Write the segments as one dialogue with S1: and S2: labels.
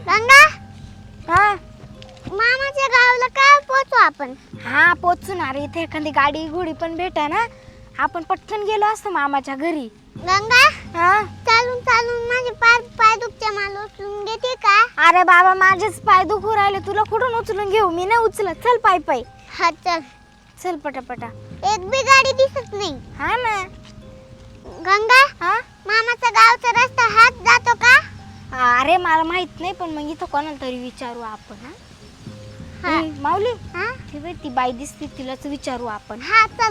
S1: गंगा
S2: हा
S1: मामाच्या गावाला काय पोहोचू आपण?
S2: हा पोचू ना रे. इथे एखादी गाडी घोडी पण भेटा ना, आपण पटकन गेलो असतो मामाच्या घरी.
S1: गंगा
S2: हा
S1: चालून चालून माझे पाय पाय दुखते, मला उचलून घेते का?
S2: अरे बाबा माझेच पाय दुखू राहिले, तुला कुठून उचलून घेऊ? मी नाही उचलत. चल पाय पाय
S1: हा चल.
S2: चल पटापटा.
S1: एक बी गाडी दिसत नाही.
S2: हा ना.
S1: गंगा
S2: हा
S1: मामाच्या गावचा रस्ता हाच जातो का?
S2: अरे मला माहित नाही, पण मग इथं कोणाला तरी विचारू आपण. हा
S1: हा.
S2: ए, माऊली
S1: हा
S2: ती बाई ती बाई दिसते, तिलाच विचारू आपण.
S1: हा चल.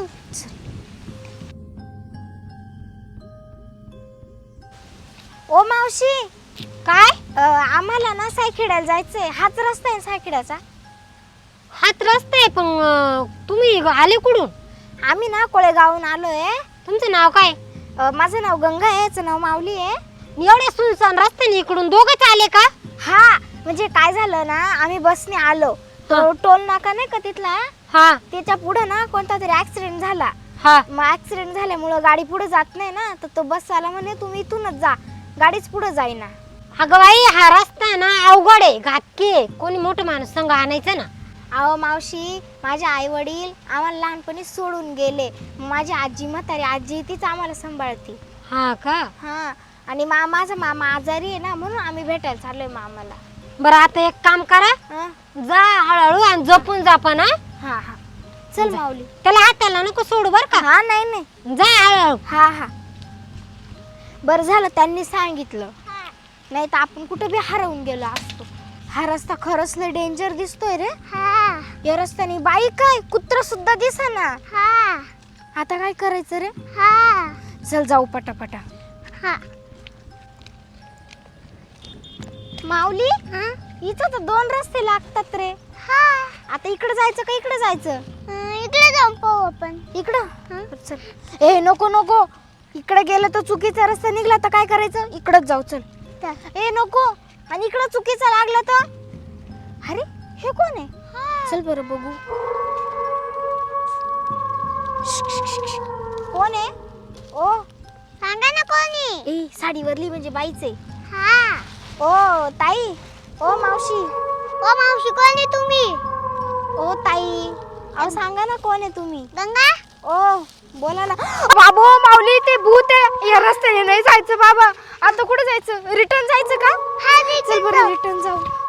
S2: ओ मावशी
S3: काय?
S2: आम्हाला ना सायखेड्याला जायचंय. हाच रस्ता आहे सायखेड्याचा.
S3: हात रस्ता आहे, पण तुम्ही आले कुठून?
S2: आम्ही ना कोळेगावून आलोय.
S3: तुमचं नाव काय?
S2: माझं नाव गंगा आहे, याचं नाव माऊली आहे.
S3: एवढ्या सुनसान रस्त्याने इकडून दोघंच आले का?
S2: हा म्हणजे काय झालं ना, आम्ही बसने आलो. तो टोल नाका नाही का तिथला,
S3: हा
S2: त्याच्या पुढे ना कोणता तरी ऍक्सिडेंट झाला.
S3: हा
S2: मग ऍक्सिडेंट झाल्यामुळं गाडी पुढे जात नाही ना, तर तो बसवाला म्हणे तुम्ही इथूनच जा, गाडीच पुढे जाईना.
S3: अगं बाई, हा रस्ता ना अवघड आहे, घातकी आहे. कोणी मोठं माणूस संग आणायचं ना.
S2: अहो मावशी, माझे आई वडील आम्हाला लहानपणी सोडून गेले. माझी आजी, म्हातारी आजी, तीच आम्हाला सांभाळते.
S3: हा का?
S2: हा आणि माझा मामा आजारी आहे ना, म्हणून आम्ही भेटायला चाललोय मामाला.
S3: बरं आता एक काम करा,
S2: हा
S3: जा हळूहळू आणि जपून जा पण.
S2: हा हा चल माऊली.
S3: त्याला हाताला नको सोडू बर का.
S2: हा नाही नाही.
S3: जा हळूहळू.
S2: हा हा बरं झालं त्यांनी सांगितलं, नाही तर आपण कुठे बी हरवून गेलो असतो. हा रस्ता खरंच लय डेंजर दिसतोय रे.
S1: हा
S2: या रस्त्याने बाई काय कुत्र सुद्धा दिसेना.
S1: हा
S2: आता काय करायचं रे?
S1: हा
S2: चल जाऊ पटापटा.
S1: हा
S2: माऊली
S1: हा
S2: इथं तर दोन रस्ते लागतात रे.
S1: हा
S2: आता इकडे जायचं का इकडे जायचं?
S1: इकडे जाऊन पाहू आपण.
S2: इकडं
S1: हा.
S2: चल. ए नको नको, इकडे गेलं तर चुकीचा रस्ता निघला तर काय करायचं? इकडंच जाऊ चल.
S1: चल.
S2: ए नको, आणि इकडं चुकीचा लागला तर? अरे हे कोण आहे? चल बरं बघू. कोण आहे? ओ
S1: सांगा ना कोणी?
S2: ए साडीवरली म्हणजे बाईच आहे.
S1: हा
S2: ओ ताई, ओ मावशी,
S1: ओ मावशी कोणी तुम्ही?
S2: ओ ताई, अहो सांगा ना कोण आहे तुम्ही?
S1: गंगा
S2: ओ बोला ना. बाबू माऊली ते भूत आहे, या रस्त्याने नाही जायचं बाबा. आता कुठे जायचं? रिटर्न जायचं का?
S1: हा
S2: चल बरं रिटर्न जाऊ.